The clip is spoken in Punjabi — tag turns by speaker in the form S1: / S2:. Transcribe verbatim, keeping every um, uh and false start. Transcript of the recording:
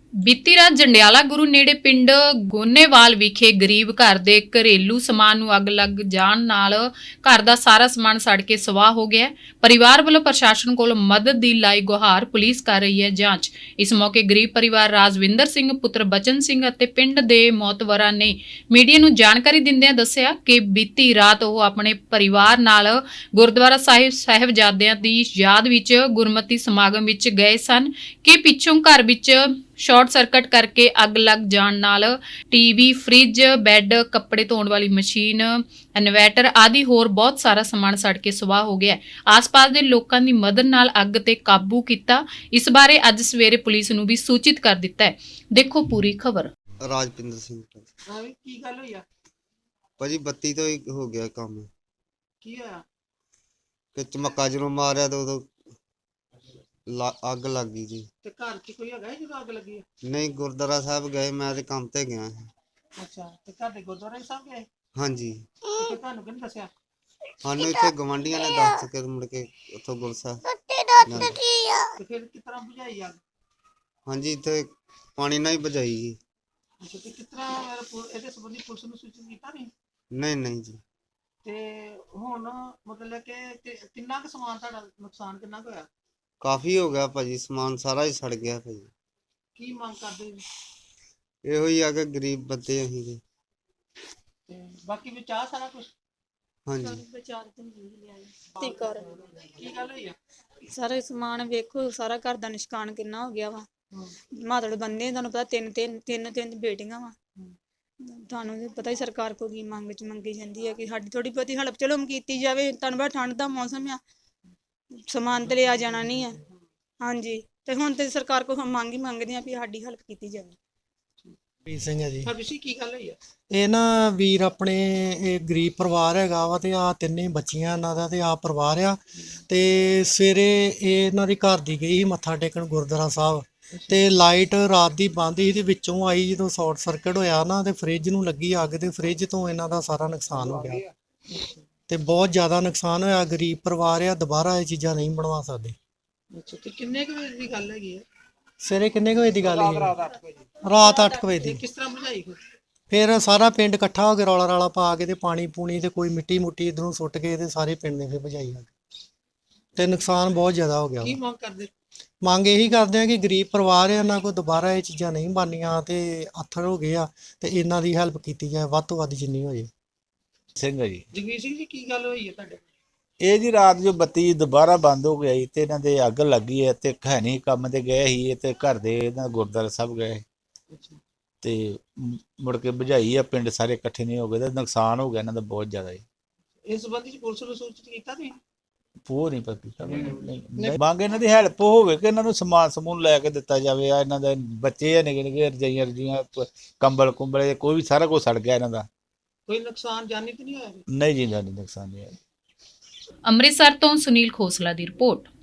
S1: ਬੀਤੀ ਰਾਤ ਜੰਡਿਆਲਾ ਗੁਰੂ ਨੇੜੇ ਪਿੰਡ ਗੋਨੇਵਾਲ ਵਿਖੇ ਗਰੀਬ ਘਰ ਦੇ ਘਰੇਲੂ ਸਮਾਨ ਨੂੰ ਅੱਗ ਲੱਗ ਜਾਣ ਨਾਲ ਘਰ ਦਾ ਸਾਰਾ ਸਮਾਨ ਸੜ ਕੇ ਸਵਾਹ ਹੋ ਗਿਆ ਹੈ। ਪਰਿਵਾਰ ਵੱਲੋਂ ਪ੍ਰਸ਼ਾਸਨ ਕੋਲ ਮਦਦ ਦੀ ਲਾਈ ਗੁਹਾਰ, ਪੁਲਿਸ ਕਰ ਰਹੀ ਹੈ ਜਾਂਚ। ਇਸ ਮੌਕੇ ਗਰੀਬ ਪਰਿਵਾਰ ਰਾਜਵਿੰਦਰ ਸਿੰਘ ਪੁੱਤਰ ਬਚਨ ਸਿੰਘ ਅਤੇ ਪਿੰਡ ਦੇ ਮੌਤਵਰਾਂ ਨੇ ਮੀਡੀਆ ਨੂੰ ਜਾਣਕਾਰੀ ਦਿੰਦਿਆਂ ਦੱਸਿਆ ਕਿ ਬੀਤੀ ਰਾਤ ਉਹ ਆਪਣੇ ਪਰਿਵਾਰ ਨਾਲ ਗੁਰਦੁਆਰਾ ਸਾਹਿਬ ਸਾਹਿਬਜ਼ਾਦਿਆਂ ਦੀ ਯਾਦ ਵਿੱਚ ਗੁਰਮਤਿ ਸਮਾਗਮ ਵਿੱਚ ਗਏ ਸਨ ਕਿ ਪਿੱਛੋਂ ਘਰ ਵਿੱਚ ਸ਼ਾਰਟ ਸਰਕਟ ਕਰਕੇ ਅੱਗ ਲੱਗ ਜਾਣ ਨਾਲ ਟੀਵੀ, ਫ੍ਰਿਜ, ਬੈੱਡ, ਕੱਪੜੇ ਧੋਣ ਵਾਲੀ ਮਸ਼ੀਨ, ਇਨਵਰਟਰ ਆਦਿ ਹੋਰ ਬਹੁਤ ਸਾਰਾ ਸਮਾਨ ਸੜ ਕੇ ਸੁਆਹ ਹੋ ਗਿਆ। ਆਸ-ਪਾਸ ਦੇ ਲੋਕਾਂ ਦੀ ਮਦਦ ਨਾਲ ਅੱਗ ਤੇ ਕਾਬੂ ਕੀਤਾ। ਇਸ ਬਾਰੇ ਅੱਜ ਸਵੇਰੇ ਪੁਲਿਸ ਨੂੰ ਵੀ ਸੂਚਿਤ ਕਰ ਦਿੱਤਾ ਹੈ। ਦੇਖੋ ਪੂਰੀ ਖਬਰ।
S2: ਰਾਜਪਿੰਦਰ ਸਿੰਘ
S3: ਹਾਂ ਵੀ ਕੀ ਗੱਲ ਹੋਈ ਆ?
S2: ਭਾਜੀ ਬੱਤੀ ਤੋਂ ਹੀ ਹੋ ਗਿਆ ਕੰਮ
S3: ਕੀ ਹੋਇਆ?
S2: ਕਿ ਚਮੱਕਾ ਜਦੋਂ ਮਾਰਿਆ ਤਾਂ ਉਦੋਂ ਲਾ- ਅੱਗ ਲੱਗ ਗਈ ਜੀ।
S3: ਤੇ ਘਰ 'ਚ ਕੋਈ ਹੈਗਾ ਜਦੋਂ ਅੱਗ ਲੱਗੀ ਆ?
S2: ਨਹੀਂ, ਗੁਰਦੁਆਰਾ ਸਾਹਿਬ ਗਏ, ਮੈਂ ਤੇ ਕੰਮ ਤੇ ਗਿਆ ਸੀ।
S3: ਅੱਛਾ, ਤੇ ਘਰ ਦੇ ਗੁਰਦੁਆਰਾ ਸਾਹਿਬ ਗਏ
S2: ਹਾਂਜੀ,
S3: ਤੇ ਫਿਰ ਤੁਹਾਨੂੰ ਕਿਹਨੇ ਦੱਸਿਆ?
S2: ਸਾਨੂੰ ਇੱਥੇ ਗਵਾਂਢੀਆਂ ਨੇ ਦੱਸ ਕੇ ਮੁੜ ਕੇ ਉੱਥੋਂ ਗੁਰਸਾ
S3: ਤੇ ਫਿਰ ਕਿਸ ਤਰ੍ਹਾਂ ਬੁਝਾਈ ਅੱਗ?
S2: ਹਾਂਜੀ, ਇੱਥੇ ਪਾਣੀ ਨਾਲ ਹੀ ਬੁਝਾਈ ਜੀ।
S3: ਅੱਛਾ, ਤੇ ਕਿਸ ਤਰ੍ਹਾਂ ਫਿਰ ਪੁ- ਇਹਦੇ ਸੰਬੰਧੀ ਪੁਲਿਸ ਨੂੰ ਸੂਚਿਤ ਕੀਤਾ ਨਹੀਂ?
S2: ਨਹੀਂ ਨਹੀਂ ਜੀ,
S3: ਤੇ ਹੁਣ ਮਤਲਬ ਕਿ ਕਿ- ਕਿੰਨਾ ਕੁ ਸਮਾਨ ਤੁਹਾਡਾ ਨੁਕਸਾਨ ਕਿੰਨਾ ਕੁ ਹੋਇਆ?
S2: ਕਾਫੀ ਹੋ ਗਿਆ ਭਾਜੀ, ਸਮਾਨ ਸਾਰਾ ਹੀ ਸੜ ਗਿਆ ਭਾਜੀ।
S3: ਕੀ ਮੰਗ ਕਰਦੇ ਜੀ?
S2: ਇਹੋ ਹੀ ਆ ਕਿ ਗਰੀਬ ਬੰਦੇ ਅਸੀਂ ਜੀ।
S3: ਤੇ ਬਾਕੀ ਵਿੱਚ ਆ ਸਾਰਾ ਕੁਝ
S2: ਹਾਂਜੀ,
S4: ਤੀ ਕਰ
S3: ਕੀ ਗੱਲ ਹੋਈ ਆ?
S4: ਸਾਰਾ ਸਮਾਨ ਵੇਖੋ, ਸਾਰਾ ਘਰ ਦਾ ਨਿਸ਼ਕਾਨ ਕਿੰਨਾ ਹੋ ਗਿਆ ਵਾ। ਮਾਤੜ ਬੰਦੇ ਤੁਹਾਨੂੰ ਪਤਾ ਤਿੰਨ ਤਿੰਨ ਤਿੰਨ ਤਿੰਨ ਬੇਟੀਆਂ ਵਾ। ਤੁਹਾਨੂੰ ਵੀ ਪਤਾ ਹੀ ਸਰਕਾਰ ਕੋਲ ਕੀ ਮੰਗ ਚ ਮੰਗੀ ਜਾਂਦੀ ਹੈ ਕਿ ਸਾਡੀ ਥੋੜੀ ਬਹੁਤੀ ਹਲਪ ਚਲੋ ਕੀਤੀ ਜਾਵੇ। ਤੁਹਾਨੂੰ ਪਤਾ ਠੰਡ ਦਾ ਮੌਸਮ ਆ, ਸਮਾਨ ਤੇ ਲਿਆ ਜਾਣਾ ਨਹੀਂ ਆ। ਹਾਂਜੀ, ਤੇ ਹੁਣ ਤੇ ਸਰਕਾਰ ਕੋਲ ਮੰਗ ਹੀ ਮੰਗਦੇ ਆ ਵੀ ਸਾਡੀ ਹਲਪ ਕੀਤੀ ਜਾਵੇ।
S5: ਵੀਰ ਸਿੰਘ ਹੈ ਜੀ।
S3: ਹਰਬੀਰ ਕੀ ਗੱਲ ਹੋਈ ਆ?
S5: ਇਹ ਨਾ ਵੀਰ ਆਪਣੇ ਇਹ ਗਰੀਬ ਪਰਿਵਾਰ ਹੈਗਾ ਵਾ ਤੇ ਆ ਤਿੰਨੇ ਬੱਚੀਆਂ ਇਹਨਾਂ ਦਾ ਤੇ ਆ ਪਰਿਵਾਰ ਆ। ਤੇ ਸਵੇਰੇ ਇਹ ਇਹਨਾਂ ਦੀ ਘਰ ਦੀ ਗਈ ਸੀ ਮੱਥਾ ਟੇਕਣ ਗੁਰਦੁਆਰਾ ਸਾਹਿਬ, ਤੇ ਲਾਈਟ ਰਾਤ ਦੀ ਬੰਦ ਸੀ ਤੇ ਵਿੱਚੋਂ ਆਈ ਜਦੋਂ ਸ਼ਾਰਟ ਸਰਕਟ ਹੋਇਆ ਨਾ ਤੇ ਫ੍ਰਿਜ ਨੂੰ ਲੱਗੀ ਅੱਗ ਤੇ ਫ੍ਰਿਜ ਤੋਂ ਇਹਨਾਂ ਦਾ ਸਾਰਾ ਨੁਕਸਾਨ ਹੋ ਗਿਆ ਤੇ ਬਹੁਤ ਜ਼ਿਆਦਾ ਨੁਕਸਾਨ ਹੋਇਆ। ਗਰੀਬ ਪਰਿਵਾਰ ਆ, ਦੁਬਾਰਾ ਇਹ ਚੀਜ਼ਾਂ ਨਹੀਂ ਬਣਵਾ ਸਕਦੇ।
S3: ਅੱਛਾ, ਤੇ ਕਿੰਨੇ ਕੁ ਵਜੇ ਦੀ ਗੱਲ ਹੈਗੀ ਆ?
S5: ਸਵੇਰੇ ਕਿੰਨੇ ਕੁ ਵਜੇ ਦੀ ਗੱਲ ਹੈ? ਰਾਤ ਅੱਠ ਕੁ ਵਜੇ
S3: ਤੇ
S5: ਦੀ।
S3: ਕਿਸ ਤਰ੍ਹਾਂ ਬੁਝਾਈ ਫਿਰ?
S5: ਫਿਰ ਸਾਰਾ ਪਿੰਡ ਇਕੱਠਾ ਹੋ ਕੇ ਰੌਲਾ ਰਾਲਾ ਪਾ ਕੇ ਤੇ ਪਾਣੀ ਪੂਣੀ ਤੇ ਕੋਈ ਮਿੱਟੀ ਮੁੱਟੀ ਇਧਰੋਂ ਸੁੱਟ ਕੇ ਤੇ ਸਾਰੇ ਪਿੰਡ ਨੇ ਫਿਰ ਬੁਝਾਈ ਅੱਗ ਤੇ ਨੁਕਸਾਨ ਬਹੁਤ ਜ਼ਿਆਦਾ ਹੋ ਗਿਆ
S3: ਕੀ
S5: ਵਾ।
S3: ਮੰਗ ਕਰਦੇ?
S5: ਮੰਗ ਇਹੀ ਕਰਦੇ ਆ ਕਿ ਗਰੀਬ ਪਰਿਵਾਰ ਆ, ਇਹਨਾਂ ਕੋਲ ਦੁਬਾਰਾ ਇਹ ਚੀਜ਼ਾਂ ਨਹੀਂ ਬਣਨੀਆਂ ਤੇ ਆਥਰ ਹੋ ਗਏ ਆ ਤੇ ਇਹਨਾਂ ਦੀ ਹੈਲਪ ਕੀਤੀ ਜਾਏ ਵੱਧ ਤੋਂ ਵੱਧ ਜਿੰਨੀ ਹੋ ਜੇ।
S6: ਸਿੰਘ ਹੈ ਜੀ।
S3: ਜਗਵੀਰ ਸਿੰਘ ਜੀ ਕੀ ਗੱਲ ਹੋਈ ਹੈ ਤੁਹਾਡੇ?
S6: ਇਹ ਜੀ ਰਾਤ ਜੋ ਬੱਤੀ ਦੁਬਾਰਾ ਬੰਦ ਹੋ ਗਈ ਤੇ ਇਹਨਾਂ ਦੇ ਅੱਗ ਲੱਗੀ ਹੈ ਤੇ ਹੈ ਨਹੀਂ ਕੰਮ ਤੇ ਗਏ ਸੀ ਤੇ ਘਰ ਦੇ ਇਹਨਾਂ ਗੁਰਦੁਆਰਾ ਸਾਹਿਬ ਗਏ ਤੇ ਮ- ਮੁੜ ਕੇ ਬੁਝਾਈ ਆ, ਪਿੰਡ ਸਾਰੇ ਇਕੱਠੇ ਨਹੀਂ ਹੋ ਗਏ ਤੇ ਨੁਕਸਾਨ ਹੋ ਗਿਆ ਇਹਨਾਂ ਦਾ ਬਹੁਤ ਜ਼ਿਆਦਾ ਜੀ।
S3: ਇਸ ਸੰਬੰਧੀ ਪੁਲਿਸ ਨੂੰ ਸੂਚਿਤ ਕੀਤਾ ਨਹੀਂ?
S6: ਪੋ ਨਹੀਂ ਪਤਾ ਕੀਤਾ ਨਹੀਂ ਨਹੀਂ। ਮੰਗ ਇਹਨਾਂ ਦੀ ਹੈਲਪ ਹੋਵੇ ਕਿ ਇਹਨਾਂ ਨੂੰ ਸਮਾਨ ਸਮੂਨ ਲੈ ਕੇ ਦਿੱਤਾ ਜਾਵੇ। ਆ ਇਹਨਾਂ ਦੇ ਬੱਚੇ ਆ ਨਿੱਕੇ ਨਿੱਕੇ, ਰਜਾਈਆਂ ਰਜੀਆਂ, ਕੰਬਲ ਕੁੰਬਲੇ, ਕੋਈ ਵੀ ਸਾਰਾ ਕੁਝ ਸੜ ਗਿਆ ਇਹਨਾਂ ਦਾ।
S3: ਕੋਈ ਨੁਕਸਾਨ ਜਾਨੀ ਤੇ ਨਹੀਂ ਹੋਇਆ?
S6: ਨਹੀਂ ਜੀ, ਨਹੀਂ ਨੁਕਸਾਨ ਨਹੀਂ ਆਇਆ।
S1: ਅੰਮ੍ਰਿਤਸਰ ਤੋਂ ਸੁਨੀਲ ਖੋਸਲਾ ਦੀ ਰਿਪੋਰਟ।